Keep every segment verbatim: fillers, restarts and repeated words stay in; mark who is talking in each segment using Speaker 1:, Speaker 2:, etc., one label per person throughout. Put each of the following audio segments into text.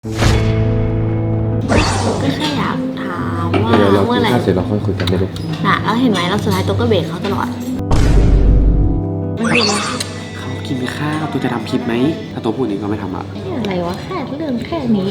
Speaker 1: ก็แค่อยากถามว่า
Speaker 2: เดี๋ยวเรา
Speaker 1: เมื่อไหร่
Speaker 2: กินข้าวเสร็จเราค่อยคุยกันได้ไหม
Speaker 1: น่ะแล้วเห็นไหมเราสุดท้ายตัวก็เบรกเขาตลอดไม่รู้นะ
Speaker 2: เขากินข้าวตัวจะทำคลิปไหมถ้าตัวพูดนี้ก็ไม่ทำอ่ะ
Speaker 1: อะไรวะแค่เรื่องแค่นี้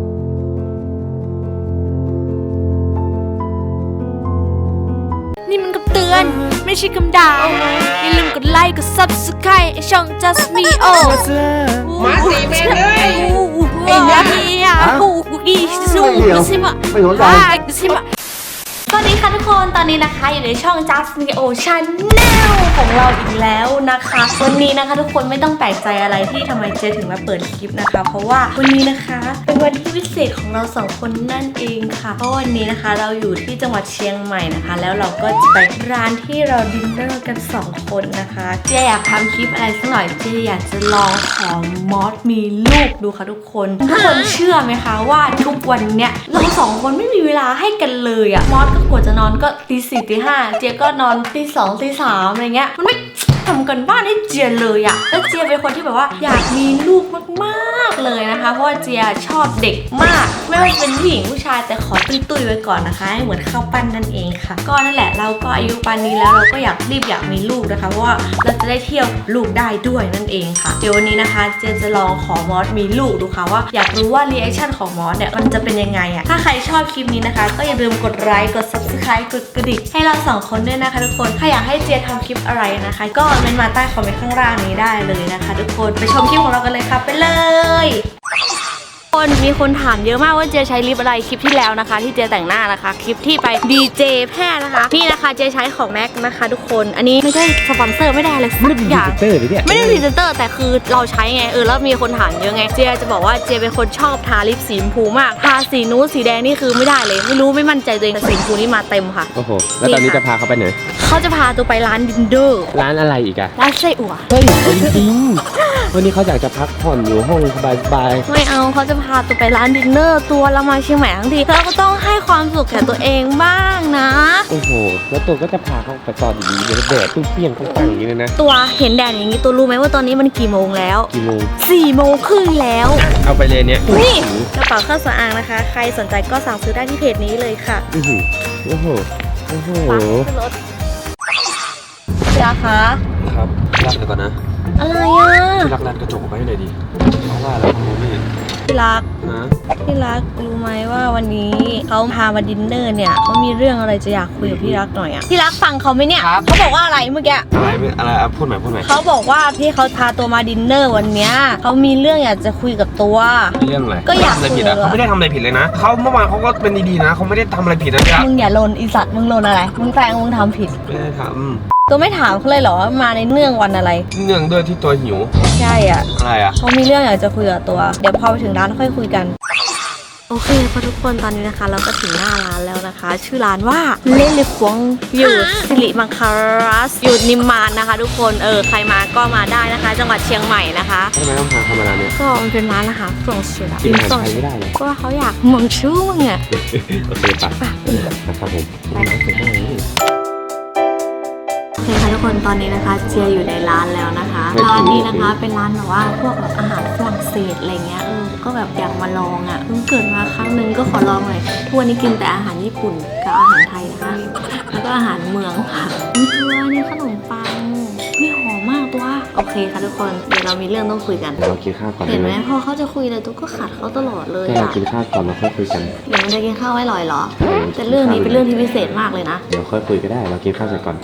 Speaker 3: นี่มันกับเตือนไม่ใช่คำด่าอย่าลืมกดไลค์กด ซับสไครบ์ ช่อง just me oh
Speaker 4: มาสีแม่งเลย
Speaker 3: ไอ้เนี่ยกูอีสูใช่ไหม
Speaker 2: ไม่สนใจ
Speaker 3: ใช่ไหมสวัสดีค่ะทุกคนตอนนี้นะคะอยู่ในช่อง just me oh channel ของเราอีกแล้วนะคะวันนี้นะคะทุกคนไม่ต้องแปลกใจอะไรที่ทำไมเจถึงมาเปิดคลิปนะคะเพราะว่าวันนี้นะคะเป็นวันที่พิเศษของเราสองคนนั่นเองค่ะเพราะวันนี้นะคะเราอยู่ที่จังหวัดเชียงใหม่นะคะแล้วเราก็จะไปร้านที่เราดินเนอร์กันสองคนนะคะเจอยากทำคลิปอะไรสักหน่อยเจอยากจะลองของมอสมีลูกดูค่ะทุกคนทุกคนเชื่อไหมคะว่าทุกวันเนี้ยเราสองคนไม่มีเวลาให้กันเลยอะมอสก็กว่าจะนอนก็ตีสี่ตีห้าเจก็นอนตีสองตีสามอะไรเงี้ยมันไม่ทำกันบ้านให้เจียเลยอะแล้วเจียเป็นคนที่แบบว่าอยากมีลูกมากๆเลยนะคะเพราะว่าเจียชอบเด็กมากไม่ว่าจะเป็นผู้หญิงผู้ชายแต่ขอตุ้ยๆไว้ก่อนนะคะให้เหมือนข้าวปั้นนั่นเองค่ะก็นั่นแหละเราก็อายุปานนี้แล้วเราก็อยากรีบอยากมีลูกนะคะเพราะว่าเราจะได้เที่ยวลูกได้ด้วยนั่นเองค่ะเดี๋ยววันนี้นะคะเจียจะลองขอมอสมีลูกดูค่ะว่าอยากรู้ว่ารีแอคชั่นของมอสเนี่ยมันจะเป็นยังไงอะถ้าใครชอบคลิปนี้นะคะก็อย่าลืมกดไลค์กด ซับสไครบ์ กดกระดิ่งให้เราสองคนด้วยนะคะทุกคนถ้าอยากให้เจียทำคลิปอะไรนะคะก็เมนต์มาใต้คอมเมนต์ข้างล่างนี้ได้เลยนะคะทุกคนไปชมคลิปของเรากันเลยค่ะไปเลยคนมีคนถามเยอะมากว่าเจใช้ลิปอะไรคลิปที่แล้วนะคะที่เจแต่งหน้านะคะคลิปที่ไปดีเจแพทย์นะคะนี่นะคะเจใช้ของแม็กนะคะทุกคนอันนี้ไม่ใช่สปอนเซอร์ไม่ได้อะไรสักอย่าง
Speaker 2: เตอร์เนี่ย
Speaker 3: ไม่ได้พรีเซนเตอร์แต่คือเราใช้ไงเออแล้วมีคนถามเยอะไงเจจะบอกว่าเจเป็นคนชอบทาลิปสีชมพูมากทาสีนู้นสีแดงนี่คือไม่ได้เลยไม่รู้ไม่มั่นใจตัวเองแต่สีชมพูนี่มาเต็มค่ะ
Speaker 2: โอ้โหแล้วตอนนี้จะพาเขาไปไหน
Speaker 3: เขาจะพาตัวไปร้านดินเดอร์
Speaker 2: ร้านอะไรอีกอะ
Speaker 3: ร้านไส้อั่ว
Speaker 2: เฮ้ยจริงๆวันนี้เขาอยากจะพักผ่อนอยู่ห้องสบาย
Speaker 3: ไม่เอาเขาจะพาตัวไปร้านดินเนอร์ตัวเรามาเชียงใหม่ทั้งทีเราก็ต้องให้ความสุขแก่ตัวเองบ้างนะ
Speaker 2: ๆโอ้โหแล้วตัวก็จะพาเขาไปตอนอย่างนี้เดี๋ยวแดดตุ้งเปี้ยงตั้งๆอย่างนี้เลยนะ
Speaker 3: ตัวเห็นแดดอย่างนี้ตัวรู้ไหมว่าตอนนี้มันกี่โมงแล้ว
Speaker 2: กี่โมง
Speaker 3: สี่โมงครึ่งแล้ว
Speaker 2: เอาไปเลยเนี่ย
Speaker 3: นี่กระเป๋าเครื่องสำอางนะคะ ใครสนใจก็สั่งซื้อได้ที่เพจนี้เลยค่ะ
Speaker 2: โอ้โหโอ้โหโอ้โห
Speaker 3: ไปขึ้นรถพี่รักคะ
Speaker 2: ครับรักเดี๋ยวก่อนนะ
Speaker 3: อะไรอ่ะ
Speaker 2: พี่รักรัดกระจกไว้หน่อยดิเพราะว่าแล้วเขาไม่เห็น
Speaker 3: พี่รัก
Speaker 2: นะ
Speaker 3: พี่รักรู้ไหมว่าวันนี้เขาพามาดินเนอร์เนี่ยเขามีเรื่องอะไรจะอยากคุยกับพี่รักหน่อยอ่ะพี่รักฟังเขาไหมเนี่ยเขาบอกว่าอะไรเมื่อกี้
Speaker 2: อะไรไม่อะไรอ่ะพูดใหม่พูดใหม่
Speaker 3: เขาบอกว่าที่เขาพาตัวมาดินเนอร์วันเนี้ยเขามีเรื่องอยากจะคุยกับตัว
Speaker 2: เรื่องอะไร
Speaker 3: ก็อยาก
Speaker 4: ทำอะไรผิดอ่ะเขาไม่ได้ทำอะไรผิดเลยนะเขาเมื่อวานเขาก็เป็นดีๆนะเขาไม่ได้ทำอะไรผิดนะจ๊ะ
Speaker 3: มึงอย่าลนอีสัตว์มึงลนอะไรมึงแปลงมึงทำผิด
Speaker 4: ไม่ได้ท
Speaker 3: ตัวไม่ถามเขาเลยเหรอว่ามาในเนื่องวันอะไร
Speaker 4: ำเนื่องด้วยที่ตัวหิว
Speaker 3: ใช่อ่ะ
Speaker 4: อะไรอ่ะ
Speaker 3: เขามีเรื่องอยากจะคุยกับตัว เดี๋ยวพอไปถึงร้านค่อยคุยกัน โอเคพอทุกคนตอนนี้นะคะ เราก็ถึงหน้าร้านแล้วนะคะ ชื่อร้านว่าเล่นลิฟวงอยู่สิริมังคารัสอยู่นิมมานนะคะ ทุกคนเออใครมาก็มาได้นะคะ จังหวัดเชียงใหม่นะคะ
Speaker 2: ทำไมต้องพาเขามาร้านเนี้ย
Speaker 3: ก็มันเป็นร้านอาหารฝรั่งเศส
Speaker 2: กินอาหารไทยไม่ได้เลย
Speaker 3: ก็เขาอยากมึงชื่อมึงอ่ะ
Speaker 2: โอเคปะนะครับผมร้านเสร็จแล้วนี่
Speaker 1: โอเคค่ะทุกคนตอนนี้นะคะเจียอยู่ในร้านแล้วนะคะร้านนี้นะคะเป็นร้านแบบว่าพวกแบบอาหารฝรั่งเศสอะไรเงี้ยเออก็แบบอยากมาลองอ่ะเพิ่งเกิดมาครั้งหนึ่งก็ขอลองหน่อยทุกวันนี้กินแต่อาหารญี่ปุ่นกับอาหารไทยนะคะแล้วก็อาหารเมืองค่ะมีตัวนี่ขนมปังมีหอมมากตัวโอเคค่ะทุกคนเดี๋ยวเรามีเรื่องต้องคุยกัน
Speaker 2: เรากินข้าวก่อน
Speaker 1: เห็นไหม
Speaker 2: ได้
Speaker 1: พอเขาจะคุยอะไรตุ๊กก็ขัดเขาตลอดเลย
Speaker 2: แค่เรา
Speaker 1: อ่ะ
Speaker 2: กินข้าวก่อนเราค่อยคุยกัน
Speaker 1: เดี๋ยวมันจะกินข้าวไม่ลอยเหรอแต่เรื่องนี้เป็นเรื่องที่พิเศษมากเลยนะ
Speaker 2: เดี๋ยวค่อยคุยก็ได้เรากินข้าวเสร็จก่อน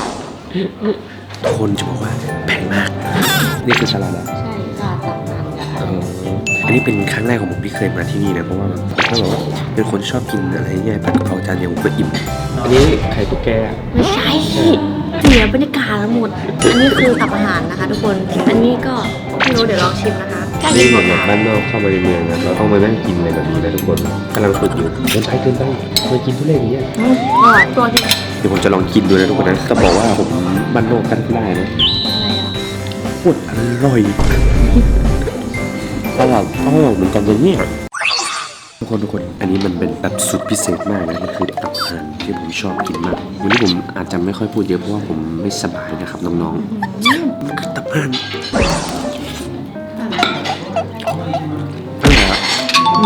Speaker 2: คนจะบอกว่าแพงมากนี่คือสลัดอะ
Speaker 1: ใช่ค่ะตักน้ำกัน
Speaker 2: เอออันนี้เป็นครั้งแรกของผมที่เคยมาที่นี่นะเพราะว่าผมก็แบบว่าเป็นคนชอบกินอะไรเงี้ยผัดกะเพราจานเดียวผมก็อิ่มอันนี้ไข่ตุ๊กแก
Speaker 1: ไม่ใช่เสียบรรยากาศทั้งหมด อันนี้คือตับอาหารนะคะ ทุกคน อันนี้ก็ไม่รู้เดี๋ยวลองชิมนะคะใกล้
Speaker 2: นี่
Speaker 1: กิน
Speaker 2: เห
Speaker 1: หม
Speaker 2: มือ
Speaker 1: ด
Speaker 2: นแบบ
Speaker 1: แล้ว
Speaker 2: บ้านนอกเข้ามาในเมืองนะเราต้องมานั่งกินอะไรแบบนี้นะทุกคนกำลังฝึกอยู่เกินไปเกินไปเคยกินทุเรศอย่างเงี้ย
Speaker 1: อืมอร่อยตัวที่
Speaker 2: เดี๋ยวผมจะลองกินดูนะทุกคนนะจะบอกว่าผมบ้านนอกกันไม่ได้นะ
Speaker 1: อะไรอ่ะ
Speaker 2: พูดอร่อยอร่อยอร่อยเหมือนกันเลยเนี่ยทุกคนทุกคนอันนี้มันเป็นแบบสุดพิเศษมากนะมันคือตับห่านที่ผมชอบกินมากวันนี้ผมอาจจะไม่ค่อยพูดเยอะเพราะว่าผมไม่สบายนะครับน้องๆมันคือตับห่านอร่อยอะ
Speaker 1: อื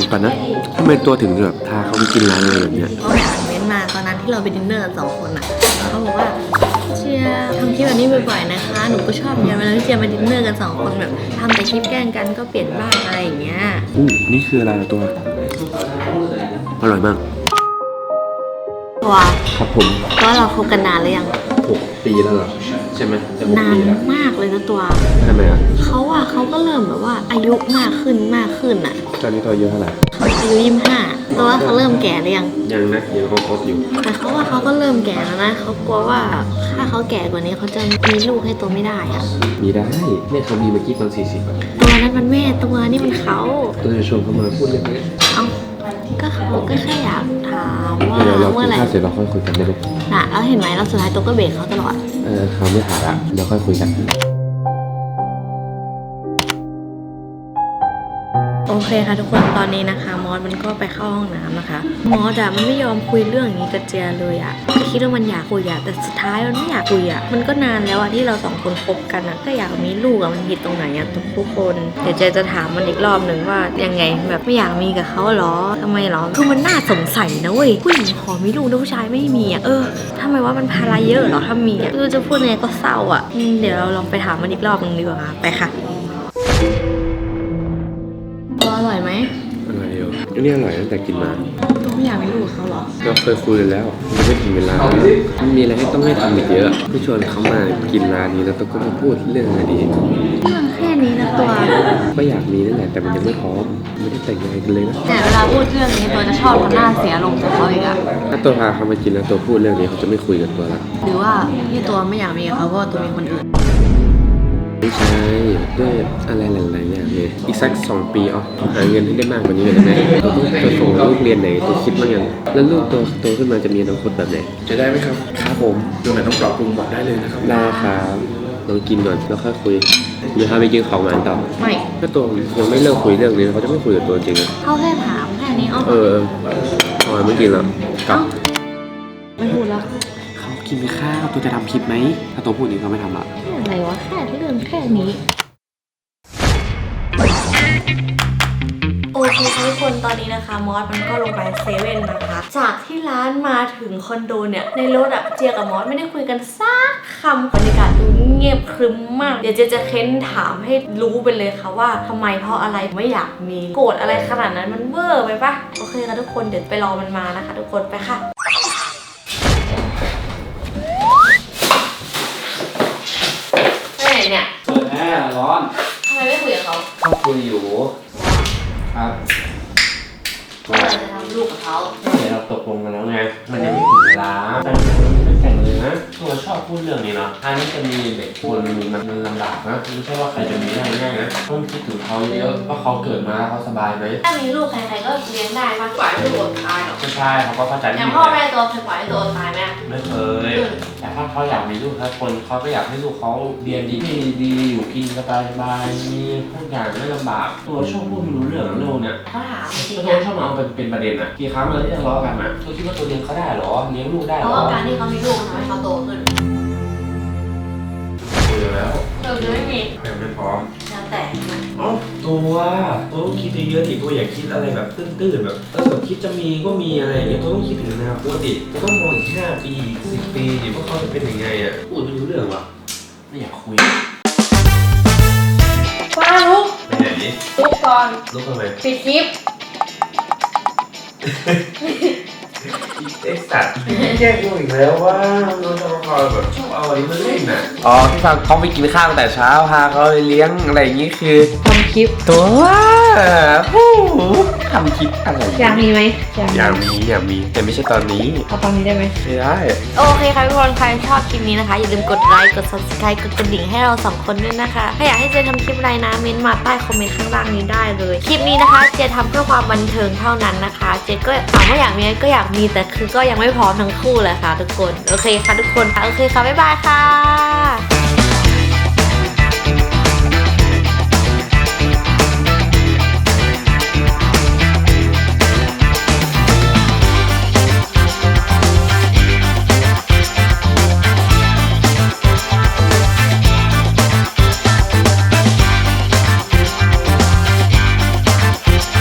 Speaker 2: ก่อนนะทำไมตัวถึงแบบพาเขาไปกินร้านอะไรแบบเนี้ย
Speaker 1: ก็ไปอ่านเม้นต์มาตอนนั้นที่เราไปดินเนอร์กันสองคนอ่ะเขาบอกว่าเชียร์ทำคลิปแบบนี้บ่อยๆนะคะหนูก็ชอบเยอะเวลาที่เชียร์มาดินเนอร์กันสองคนแบบทำแต่คลิปแกล้งกันก็เปลี่ยนบ้างอะไรอย่างเงี้ย
Speaker 2: อู้นี่คืออะไรตัวอร่อยมาก
Speaker 1: ตัว
Speaker 2: ครับผม
Speaker 1: ก็เราคบกันนานหรือยัง
Speaker 2: หกปีแล้วเหรอใช่ไหมจะหก
Speaker 1: นาน
Speaker 2: ปีแล้ว
Speaker 1: มากเลยนะตัว
Speaker 2: ทำไมอ่ะ
Speaker 1: เขาอะเขาก็เริ่มแบบว่าอายุมากขึ้นมากขึ้นอะ
Speaker 2: ตอนนี้ตัวอายุเท่าไหร่
Speaker 1: อายุยี่สิบห้าตัวว่าเขาเริ่มแก่หรือยัง
Speaker 2: ยังนะยังคบๆอยู่
Speaker 1: แต่เขาว่าเขาก็เริ่มแก่แล้วนะเขากลัวว่าถ้าเขาแก่กว่านี้เขาจะมีลูกให้ตัวไม่ได้อะ
Speaker 2: มีได้เนี่ยเขามีเมื่อกี้ตอนสี่สิบอ่ะ
Speaker 1: ตัวนั้นมันแม่ตัวนี่มันเขา
Speaker 2: ตัวจะชวนเขามาพูดเรื่องนี้
Speaker 1: เอ้าก็เขาก็แค่อยากถามว่า
Speaker 2: เดี๋ยวเรา
Speaker 1: เมื่
Speaker 2: กิ
Speaker 1: อน ไหร่
Speaker 2: ข้าวเสร็จเราค่อยคุยกันได้ไหม
Speaker 1: น่ะแล้วเห็นไหมแล้วสุดท้ายตัวก็เบรกเขาตลอด
Speaker 2: เออเขาไม่ถามละเดี๋ยวค่อยคุยกัน
Speaker 1: โอเคค่ะทุกคนตอนนี้นะคะมอสมันก็ไปเข้าห้องน้ำนะคะมอสอะมันไม่ยอมคุยเรื่องอย่างนี้กับเจียเลยอะก็คิดว่ามันอยากคุยอะแต่สุดท้ายมันไม่อยากคุยอะมันก็นานแล้วอะที่เราสองคนคบกันอะก็อยากมีลูกอะมันผิดตรงไหนอะทุกคนเดี๋ยวเจจะถามมันอีกรอบหนึ่งว่ายังไงแบบไม่อยากมีกับเขาเหรอทำไมเหรอคือมันน่าสงสัยนะเว้ยผู้หญิงขอมีลูกแล้วผู้ชายไม่มีอะเออทำไมว่ามันภาระเยอะเหรอถ้ามีอะคือจะพูดยังไงก็เศร้าอะอืมเดี๋ยวเราลองไปถามมันอีกรอบหนึ่งดีกว่าค่ะไปค่ะอร่อยไหม
Speaker 2: อร่อยอยู่อันนี้อร่อยตั้งแต่กินมา
Speaker 1: ตัวไม่อยากมีลูกกับเขาเหรอ
Speaker 2: เราเคยคุยกันแล้วมันไม่ถึงเวลามันมีอะไรให้ต้องให้ทำอีกเยอะพี่ชวนเขามากินร้านนี้แล้วตัวก็มาพูดเรื่องอะไรดี
Speaker 1: เรื่องแค่นี้นะตัว
Speaker 2: ก็อยากมีนั่นแหละแต่มันยังไม่พร้อมไม่ได้แต่งงานกันเลยนะ
Speaker 1: แต่เวลาพูดเรื่องนี้ตัวจะชอบทำหน้าเสียลงกับเขาอีกอะ
Speaker 2: ถ้าตัวพาเขามากินแล้วตัวพูดเรื่องนี้เขาจะไม่คุยกับตัวละ
Speaker 1: หรือว่าที่ตัวไม่อยากมีกับเขาเพราะว่าตัวมีคนอื่น
Speaker 2: ไม่ใช่ด้วยอะไรหลายๆอย่างเลยอีกสักสองปีอ๋อหาเงินให้ได้มากกว่านี้เลยได้ไหมตัวต้องตัวส่งลูกเรียนไหนตัวคิดบ้างยังแล้วลูกตัวโตขึ้นมาจะมีอนาคตแบบไหน
Speaker 5: จะได้ไหมครับ
Speaker 2: ครับผม
Speaker 5: ตรงไหนต้องปรับปรุงบอกได้เลยนะครับ
Speaker 2: ได้ครับลองกินก่อนแล้วค่อยคุยเดี๋ยวพาไปกินของหวานต่อ
Speaker 1: ไม่
Speaker 2: ถ้าตัวยังไม่เลิกคุยเรื่องนี้เขาจะไม่คุยกับตัวจริงอะ
Speaker 1: เขาแค่ถามแค่นี้เอา
Speaker 2: เออพอยไม่กินแล้วกลับ
Speaker 1: ไม่พูดแล้ว
Speaker 2: เขากินข้าวตัวจะทำคลิปไหมถ้าตัวพูดอย่างนี้เขาไม่ทำละ
Speaker 1: แค่อะไรวะแค่เรื่องแค่นี้โอเคค่ะทุกคนตอนนี้นะคะมอสมันก็ลงไปเซเว่นนะคะจากที่ร้านมาถึงคอนโดเนี่ยในรถอะเจียกับมอสไม่ได้คุยกันสักคำบรรยากาศดูเงียบครึ้มมากเดี๋ยวเจจะเค้นถามให้รู้ไปเลยค่ะว่าทำไมเพราะอะไรไม่อยากมีโกรธอะไรขนาดนั้นมันเวอร์ไปปะโอเคค่ะทุกคนเดี๋ยวไปรอมันมานะคะทุกคนไปค่ะไปไหนเนี่ย
Speaker 2: เปิดแอร์ร้อน
Speaker 1: ทำไมไม่คุยกับเขา
Speaker 2: เขาคุยอยู่ครับ
Speaker 1: ว่าเราจะทำลูกกับเขา
Speaker 2: เดี๋ยวเราตกลงกันแล้วไงมันยังไม่ถึงเวลาแต่ไม่แต่งเลยนะตัวชอบพูดเรื่องนี้เนาะอันนี้จะมีเด็กคนมันมันลำบากนะไม่ใช่ว่าใครจะมีได้ง่ายนะต้องคิดถึงเขาเยอะว่าเขาเกิดมาเขาสบายไหม
Speaker 1: ถ้ามีลูกใครๆก็เลี้ยงได้มากกว่าให้ลูกอดตายหรอก
Speaker 2: ไม่ใช่เขาก็เข้าใจ
Speaker 1: อย่างพ่อแม่ตัวเคยปล่อยให้ตัวอดตายไหม
Speaker 2: ไม่เคยแต่ถ้าเขาอยากมีลูกสักคนเขาก็อยากให้ลูกเขาเรียนดีดีอยู่กินสบายสบายมีทุกอย่างไม่ลำบากตัวชอบพูดไม่รู้เรื่องเรื่องเนี่ย
Speaker 1: เขาถามจริง
Speaker 2: ตัว
Speaker 1: ๆ
Speaker 2: ชอบมาเอาเป็นเป็นประเด็นอะกี่ครั้งเลยที่ทะเลาะกันอะตัวคิดว่าตัวเลี้ยงเขาได้หรอเลี้ยงลูกได้
Speaker 1: เพ
Speaker 2: หร
Speaker 1: ราะ
Speaker 2: อ
Speaker 1: ว่าการที่เขามีลูกทำให้เขาโตขึ้น
Speaker 2: คุยแล้ว
Speaker 1: เราจะไม่มี
Speaker 2: ยังไม่พร้อม
Speaker 1: แล้วแต่นะ
Speaker 5: เอ้าตัวตัวต้องคิดเยอะๆดิตัวอย่าคิดอะไรแบบตื้นๆแบบถ้าแบบคิดจะมีก็มีอะไรอย่างเงี้ยตัวต้องคิดถึงอนาคตดิตัวต้องมองอีกห้าปีสิบปีดิว่าเขาจะเป็นยังไงอ่ะพูดไม่รู้เรื่องว่ะ
Speaker 2: ไม่อยากคุย
Speaker 1: ป้าลุก
Speaker 5: ไปไหน
Speaker 1: ลุกก่อน
Speaker 5: ลุกทำไม
Speaker 1: ปิดคลิป
Speaker 5: ไอ้สัตว์แย่กูอีกแล้วว่าเราจะมาคอยแบบชอบเอาอะไรมาเล่นน่ะ
Speaker 2: อ๋อที่ฟังเขาไปกินข้าวตั้งแต่เช้าพาเขาไปเลี้ยงอะไรอย่างงี้คือ
Speaker 1: ทำคลิป
Speaker 2: ตัวว่าฮู้ทำคลิปอะไร
Speaker 1: อยากมีไหมอยาก
Speaker 2: อยากมีอยากมีแต่ไม่ใช่ตอนนี้
Speaker 1: เอาตอนนี้ได้ไหม
Speaker 2: ไม่ได้
Speaker 1: โอเคค่ะทุกคนใครชอบคลิปนี้นะคะอย่าลืมกดไลค์กด subscribe กดกระดิ่งให้เราสองคนด้วยนะคะถ้าอยากให้เจทำคลิปอะไรนะเม้นต์มาใต้คอมเมนต์ข้างล่างนี้ได้เลยคลิปนี้นะคะเจทำเพื่อความบันเทิงเท่านั้นนะคะเจก็ถามว่าอยากมีก็อยากมีแต่คือก็ยังไม่พร้อมทั้งคู่เลยค่ะทุกคนโอเคค่ะทุกคนค่ะโอเคค่ะบ๊ายบายค่ะ